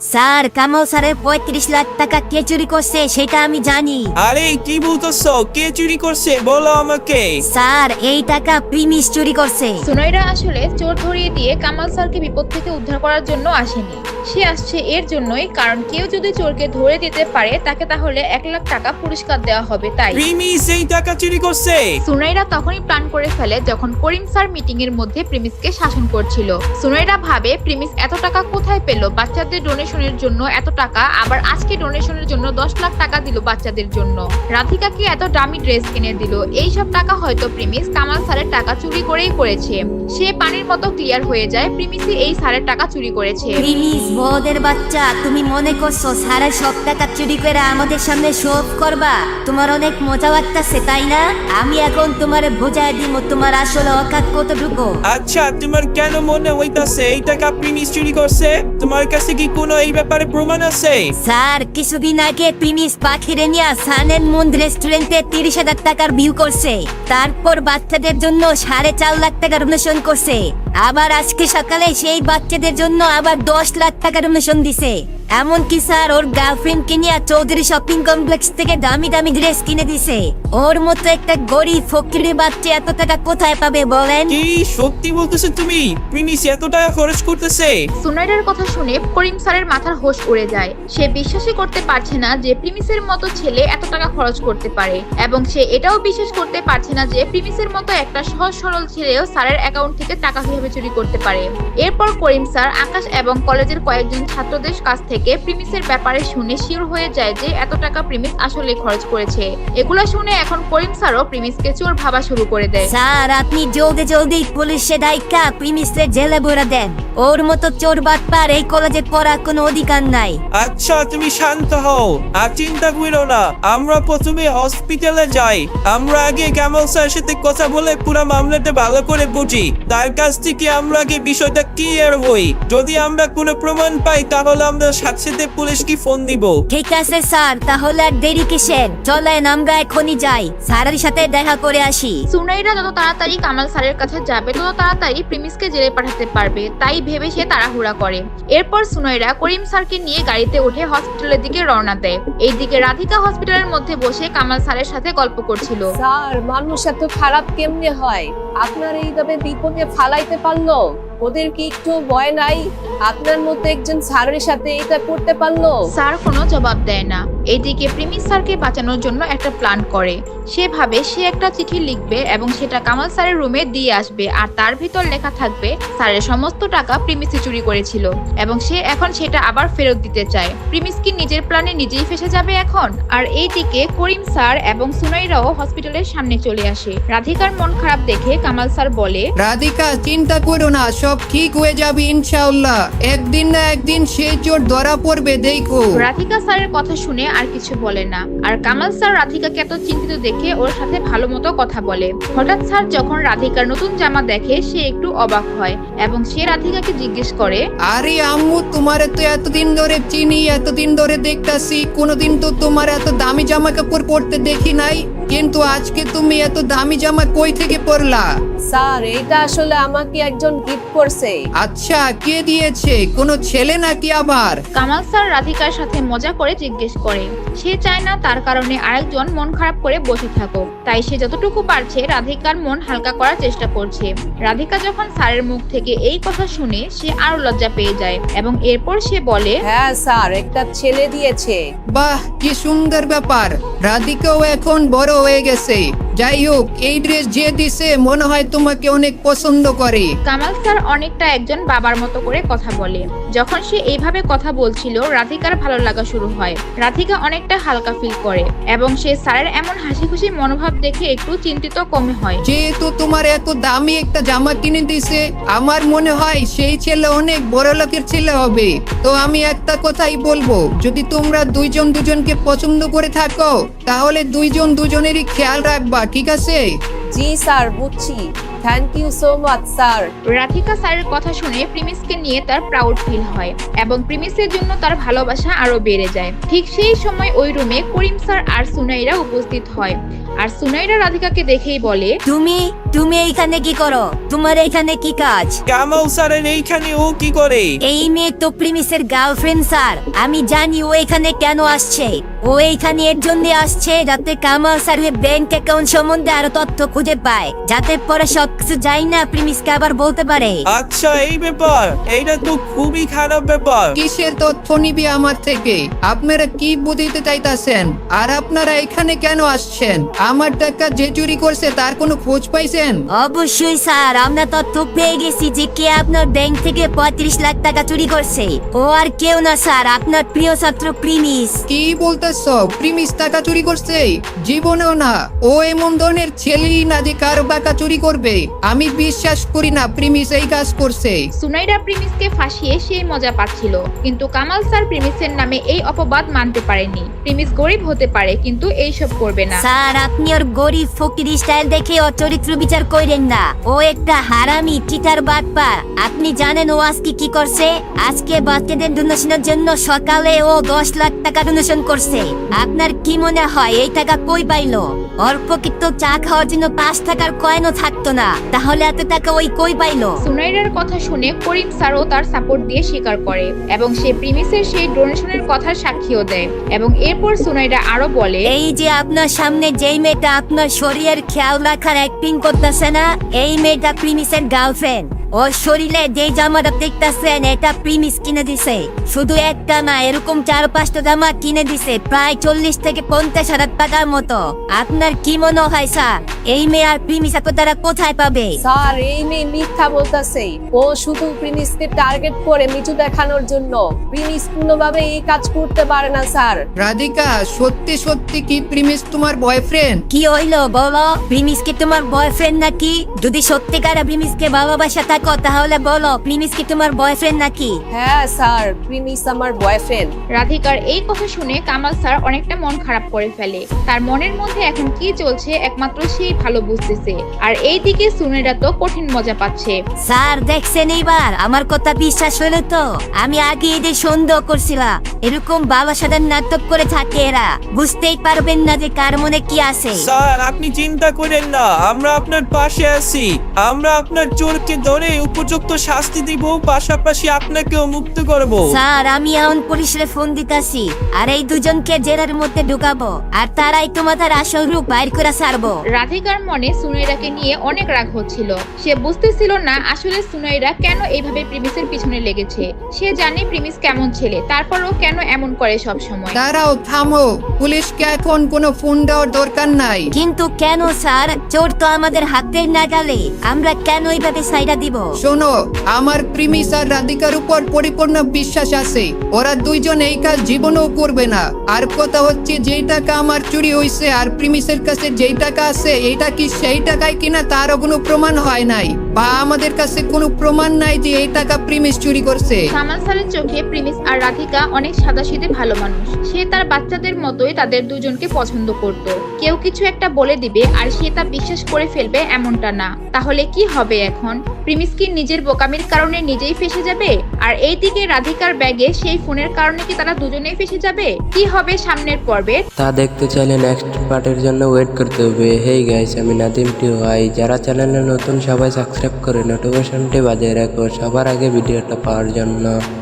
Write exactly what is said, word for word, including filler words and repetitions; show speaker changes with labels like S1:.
S1: Sir, Kamal স্যারের পঁয়ত্রিশ লাখ টাকা কে চুরি করছে সেটা আমি জানি।
S2: আরে কি বলতেছো? কে চুরি করছে বলো আমাকে।
S1: স্যার, এই টাকা প্রিমিস চুরি করছে।
S3: সুনয়রা আসলে চোর ধরিয়ে দিয়ে কামাল স্যারকে বিপদ থেকে উদ্ধার করার জন্য আসেনি। সে আসছে এর জন্যই, কারণ কেউ যদি চোরকে ধরে দিতে পারে তাকে তাহলে এক লাখ টাকা পুরস্কার দেওয়া হবে। তাই
S2: প্রিমিস এই টাকা চুরি করছে।
S3: সুনয়রা তখনই প্ল্যান করে ফেলে যখন করিম স্যার মিটিং এর মধ্যে প্রিমিসকে শাসন করছিল। সুনয়রা ভাবে প্রিমিস এত টাকা কোথায় পেল, বাচ্চাদের ডোনেশনের জন্য এত টাকা, আবার আজকে ডোনেশনের জন্য দশ লাখ টাকা দিল বাচ্চাদের জন্য। রাধিকাকে এত দামি ড্রেস কিনে দিল। এই সব টাকা হয়তো প্রিমিস কামাল স্যারের টাকা চুরি করেই করেছে। সে পানির মতো ক্লিয়ার হয়ে যায় প্রিমিসই এই স্যারের টাকা চুরি করেছে।
S1: প্রিমিস বদের বাচ্চা, তুমি মনে করছো স্যারের সব টাকা চুরি করে আমাদের সামনে শো অফ করবা? তোমার অনেক মজা লাগতেছে তাই না? আমি এখন তোমার বোঝায় দিব তোমার আসলে অকাত কতটুকু।
S2: আচ্ছা, তোমার কেন মনে হইতাছে এই টাকা প্রিমিস চুরি করছে? তোমার কাছে কি কোনো এই ব্যাপারে প্রমাণ আছে?
S1: স্যার, কিছুদিন আগে প্রিমিস পাখিরে নিয়ে সানের মুন রেস্টুরেন্টে তিরিশ হাজার টাকার ভিউ করছে। তারপর বাচ্চাদের জন্য সাড়ে চার লাখ টাকার ডোনেশন করছে। আবার আজকে সকালে সেই বাচ্চাদের জন্য আবার দশ লাখ টাকার ডোনেশন দিছে। এমনকি স্যার ওর গার্লফ্রেন্ড কে নিয়ে চৌধুরী শপিং কমপ্লেক্স থেকে দামি দামি ড্রেস কিনে দিছে। ওর মতো একটা গরিব ফকিরের বাচ্চা এত টাকা কোথায় পাবে বলেন?
S2: কি সত্যি বলতেছো তুমি? প্রিমিস এত টাকা খরচ করতেছে?
S3: সুনয়রার কথা শুনে করিম স্যারের মাথার হোশ উড়ে যায়। সে বিশ্বাসই করতে পারছে না যে প্রিমিসের মতো ছেলে এত টাকা খরচ করতে পারে, এবং সে এটাও বিশ্বাস করতে পারছে না যে প্রিমিসের মতো একটা সহজ সরল ছেলেও স্যারের অ্যাকাউন্ট থেকে টাকা কিভাবে চুরি করতে পারে। এরপর করিম স্যার আকাশ এবং কলেজের কয়েকজন ছাত্রদের কাছ থেকে প্রিমিসের ব্যাপারে শুনে শিওর হয়ে যায় যে এত টাকা প্রিমিস আসলে খরচ করেছে। এগুলা শুনে এখন করিম স্যারও প্রিমিসকে চোর ভাবা শুরু করে দেয়।
S1: স্যার, আপনি জলদি জলদি পুলিশে দায়িকা প্রিমিসের জেলে ভরে দেন। ওর মতো চোর বাটপার এই কলেজে পড়ার কোনো অধিকার নাই।
S2: আচ্ছা, তুমি শান্ত হও আর চিন্তা করো না। আমরা প্রথমে হসপিটালে যাই। আমরা আগে কামাল স্যারের সাথে কথা বলে পুরো মামলাটা ভালো করে বুঝি। তার কাছ থেকে আমরা আগে বিষয়টা ক্লিয়ার হই। যদি আমরা কোনো প্রমাণ পাই তাহলে আমরা সাথে সাথে পুলিশকে ফোন দিব।
S1: ঠিক আছে স্যার, তাহলে আর দেরি কিসের? চলেন আমরা এখনই যাই, স্যারের সাথে দেখা করে আসি।
S3: সুনয়রা যত তাড়াতাড়ি কামাল স্যারের কাছে যাবে তত তাড়াতাড়ি প্রিমিসকে জেলে পাঠাতে পারবে, তাই ভেবে সে তাড়াহুড়া করে। এরপর সুনয়রা করিম স্যারকে নিয়ে গাড়িতে উঠে হসপিটালের দিকে রওনা দেয়। এইদিকে রাধিকা হসপিটালের মধ্যে বসে কামাল স্যারের সাথে গল্প করছিল।
S4: স্যার, মানুষ এত খারাপ কেমনে হয়? আপনার এইভাবে বিপদে ফালাইতে পারলো? ওদের কি একটু ভয় নাই? আপনার মতো একজন স্যারের সাথে এটা করতে পারলো?
S3: স্যার কোনো জবাব দেয় না। এইদিকে প্রিমিস স্যারকে বাঁচানোর জন্য একটা প্ল্যান করে। সে ভাবে সে একটা চিঠি লিখবে এবং সেটা কামাল স্যারের রুমে দিয়ে আসবে, আর তার ভিতর লেখা থাকবে স্যারের সমস্ত টাকা প্রিমিসে চুরি করেছিল এবং সে এখন সেটা আবার ফেরত দিতে চায়। প্রিমিস কি নিজের প্ল্যানে নিজেই ফেসে যাবে এখন? আর এইদিকে করিম স্যার এবং সুনয়রাও হসপিটালের সামনে চলে আসে। রাধিকার মন খারাপ দেখে কামাল স্যার বলে,
S5: রাধিকা, চিন্তা করো না, সব ঠিক হয়ে যাবে ইনশাআল্লাহ। একদিন না একদিন সেই চোর ধরা পড়বে, দেখো।
S3: রাধিকা স্যারের কথা শুনে আর কিছু বলে না। আর কামাল স্যার রাধিকাকে এত চিন্তিত দেখে ওর সাথে ভালো মতো কথা বলে। হঠাৎ স্যার যখন রাধিকার নতুন জামা দেখে সে একটু অবাক হয় এবং সে রাধিকাকে জিজ্ঞেস করে,
S5: আরে আম্মু, তোমার তো এতদিন ধরে চিনি, এতদিন ধরে দেখতাছি, কোনোদিন তো তোমার এত দামি জামা কাপড় পরতে দেখি নাই, কিন্তু আজকে তুমি এত দামি জামা কই থেকে পরলা?
S4: স্যার, এটা আসলে আমাকে একজন গিফট করছে।
S5: আচ্ছা, কে দিয়েছে? কোনো ছেলে নাকি আবার?
S3: কামাল স্যার রাধিকার সাথে মজা করে জিজ্ঞেস করে। সে চায় না তার কারণে আরেকজন মন খারাপ করে বসে থাকুক, তাই সে যতটুকু পারছে রাধিকার মন হালকা করার চেষ্টা করছে। রাধিকা যখন স্যারের মুখ থেকে এই কথা শুনে সে আরো লজ্জা পেয়ে যায় এবং এরপর সে বলে,
S4: হ্যাঁ স্যার, একটা ছেলে দিয়েছে।
S5: বাহ, কি সুন্দর ব্যাপার। রাধিকাও এখন বড় হয়ে গেছে। যাই হোক, এই ড্রেস যে দিছে মনে হয় তোমাকে অনেক পছন্দ করে।
S3: কামাল স্যার অনেকটা একজন বাবার মতো করে কথা বলে। যখন সে এইভাবে কথা বলছিল রাধিকার ভালো লাগা শুরু হয়। রাধিকা অনেকটা হালকা ফিল করে এবং সে স্যারের এমন হাসি খুশি মনোভাব দেখে একটু চিন্তিত কমে হয়।
S5: যেহেতু তোমার এত দামি একটা জামা কিনে দিছে, আমার মনে হয় সেই ছেলে অনেক বড় লোকের ছেলে হবে। তো আমি একটা কথাই বলবো, যদি তোমরা দুইজন দুজনকে পছন্দ করে থাকো তাহলে দুইজন দুজনেরই খেয়াল রাখবা, ঠিক আছে?
S4: জি স্যার, বুঝছি। Thank you so much sir.
S3: Radhika স্যারের কথা শুনে প্রিমিসকে নিয়ে তার প্রাউড ফিল হয় এবং প্রিমিসের জন্য তার ভালোবাসা আরো বেড়ে যায়। ঠিক সেই সময় ওই রুমে করিম স্যার আর সুনাইরা উপস্থিত হয়। আর সুনাইরা রাধিকাকে দেখেই বলে,
S1: তুমি তুমি এইখানে কি করো? তোমার এইখানে কি কাজ?
S2: কামাল স্যারের এইখানে ও কি করে?
S1: এই মেয়ে তো প্রিমিসের গার্লফ্রেন্ড স্যার। আমি জানি ও এখানে কেন আসছে। ও এইখানে এর জন্য আসছে যাতে কামাল স্যারের ব্যাংক অ্যাকাউন্ট সম্বন্ধে আরো তথ্য খুঁজে পায়, যাতে পরে সবকিছু যাই না প্রিমিসকে আবার বলতে পারে।
S2: আচ্ছা এই ব্যাপার, এইটা তো খুবই খারাপ ব্যাপার।
S5: কিসের তথ্য নিবি আমার থেকে? আপনারা কি বুঝিতে চাইতাছেন? আর আপনারা এখানে কেন আসছেন? আমার টাকা যে চুরি করছে তার কোনো খোঁজ পাইছেন?
S1: অবশ্যই স্যার, আমরা তথ্য পেয়ে গেছি যে কে আপনার ব্যাংক থেকে পঁয়ত্রিশ লাখ টাকা চুরি করছে। ও আর কেউ না স্যার, আপনার প্রিয় ছাত্র প্রিমিস।
S5: কি বলতেছ? প্রিমিস টাকা চুরি করছে? জীবনেও না। ও এমন ধরনের ছেলেই না যে কারো টাকা চুরি করবে। আমি বিশ্বাস করি না প্রিমিস এই কাজ করছে।
S3: সুনাইরা প্রিমিসকে ফাঁসিয়ে সেই মজা পাচ্ছিল, কিন্তু কামাল স্যার প্রিমিসের নামে এই অপবাদ মানতে পারেনি। প্রিমিস গরিব হতে পারে কিন্তু এইসব করবে না।
S1: স্যার, আপনি ওর গরিব ফকির স্টাইল দেখে ওর চরিত্র বিচার করেন না। ও একটা হারামি চিটার বাটপার। আপনি জানেন ও আজকে কি করছে? আজকে বাচ্চাদের ডোনেশনের জন্য সকালে ও দশ লাখ টাকা ডোনেশন করছে। আপনার কি মনে হয় এই টাকা কই পাইলো? ওর প্রকৃত চা খাওয়ার জন্য পাঁচ টাকার কয়েনও থাকতো না, তাহলে এত টাকা ওই কই পাইলো?
S3: সুনাইরার কথা শুনে করিম স্যারও তার সাপোর্ট দিয়ে স্বীকার করে এবং সে প্রিমিসের সেই ডোনেশনের কথার সাক্ষীও দেয়। এবং এরপর সুনাইরা আরো বলে,
S1: এই যে আপনার সামনে যেই মেয়েটা আপনার শরীরের খেয়াল রাখার অ্যাক্টিং করতেছে না, এই মেয়েটা প্রিমিসের গার্লফ্রেন্ড। ওর শরীরে যে জামাটা দেখতেছেন এটা প্রিমিস কিনে দিছে। শুধু একটা না, এরকম চার পাঁচটা জামা কিনে দিছে, প্রায় চল্লিশ থেকে পঞ্চাশ হাজার টাকার মতো। আপনার কি মনে হয় স্যার, এই মেয়ে আর প্রিমিস এত তারা কোথায় পাবে?
S4: স্যার, এই মেয়ে মিথ্যা বলতেছে। ও শুধু প্রিমিসকে টার্গেট করে নিচু দেখানোর জন্য। প্রিমিস কোনোভাবে এই কাজ করতে পারে না স্যার।
S5: রাধিকা, সত্যি সত্যি কি প্রিমিস তোমার বয়ফ্রেন্ড?
S1: কি হইলো বলো? প্রিমিস কি তোমার বয়ফ্রেন্ড নাকি? যদি সত্যিকার প্রিমিসকে ভালোবাসা থাকো তাহলে বলো, প্রিমিস কি তোমার বয়ফ্রেন্ড নাকি?
S4: হ্যাঁ স্যার, প্রিমিস আমার বয়ফ্রেন্ড।
S3: রাধিকার এই কথা শুনে কামাল স্যার অনেকটা মন খারাপ করে ফেলে। তার মনের মধ্যে এখন কি চলছে একমাত্র সেই ভালো বুঝতেছে। আর এইদিকে সুনাইরা তো কঠিন মজা পাচ্ছে।
S1: স্যার দেখছেন, এইবার আমার কথা বিশ্বাস হলো তো? আমি আগে এদের সন্দেহ করছিলাম। এরকম বাবা সাদার নাটক করে থাকে এরা। বুঝতেই পারবেন না যে কার মনে কি আছে।
S2: স্যার আপনি চিন্তা করেন না, আমরা আপনার পাশে আছি। আমরা আপনার চোরকে ধরে উপযুক্ত শাস্তি দিব, পাশাপাশি আপনাকেও মুক্ত করব।
S1: স্যার, আমি এখন পুলিশে ফোন দিতাছি আর এই দুজনকে জেলের মধ্যে ঢুকাবো, আর তারাই তোমাদের আসল রূপ বাইর করে ছাড়বো।
S3: রাধিকার মনে সুনাইরাকে নিয়ে অনেক রাগ হচ্ছিল। সে বুঝতেছিল না আসলে সুনাইরা কেন এইভাবে প্রিমিসের পিছনে লেগেছে। সে জানে প্রিমিস কেমন ছেলে, তারপরও কেন এমন করে সব সময়।
S5: দাঁড়াও, থামো। পুলিশকে এখন কোনো ফোন দেওয়ার দরকার নাই।
S1: কিন্তু কেন স্যার? চোর তো আমাদের হাতের নাগালে, আমরা কেন এইভাবে সাইডা দিব?
S5: শোনো, আমার প্রিমিস আর রাধিকার উপর পরিপূর্ণ বিশ্বাস আছে। ওরা দুইজন এই কাজ জীবনেও করবে না। আর কথা হচ্ছে, যেই টাকা আমার চুরি হয়েছে আর প্রিমিসের কাছে যেই টাকা আছে, এইটা কি সেই টাকায় কিনা তারও কোনো প্রমাণ হয় নাই, বা আমাদের কাছে কোনো প্রমাণ নাই যে এই টাকা প্রিমিস চুরি করছে।
S3: কামাল স্যারের চোখে প্রিমিস আর রাধিকা অনেক সাদাসিধে ভালো মানুষ। সে তার বাচ্চাদের মতোই তাদের দুজনকে পছন্দ করত। কেউ কিছু একটা বলে দিবে আর সে তা বিশ্বাস করে ফেলবে এমনটা না। তাহলে কি হবে এখন? প্রিমিস কি নিজের বোকামির কারণে নিজেই ফেসে যাবে? আর এইদিকে রাধিকার ব্যাগে সেই ফোনের কারণে কি তারা দুজনেই ফেসে যাবে? কি হবে সামনের পর্বে
S6: তা দেখতে চাইলে নেক্সট পার্টের জন্য ওয়েট করতে হবে। হেই গাইস, আমি নাদিম টিউ ভাই। যারা চ্যানেলে নতুন সবাই সাবস্ক্রাইব করে নোটিফিকেশনটি বাজিয়ে রাখো সবার আগে ভিডিওটা পাওয়ার জন্য।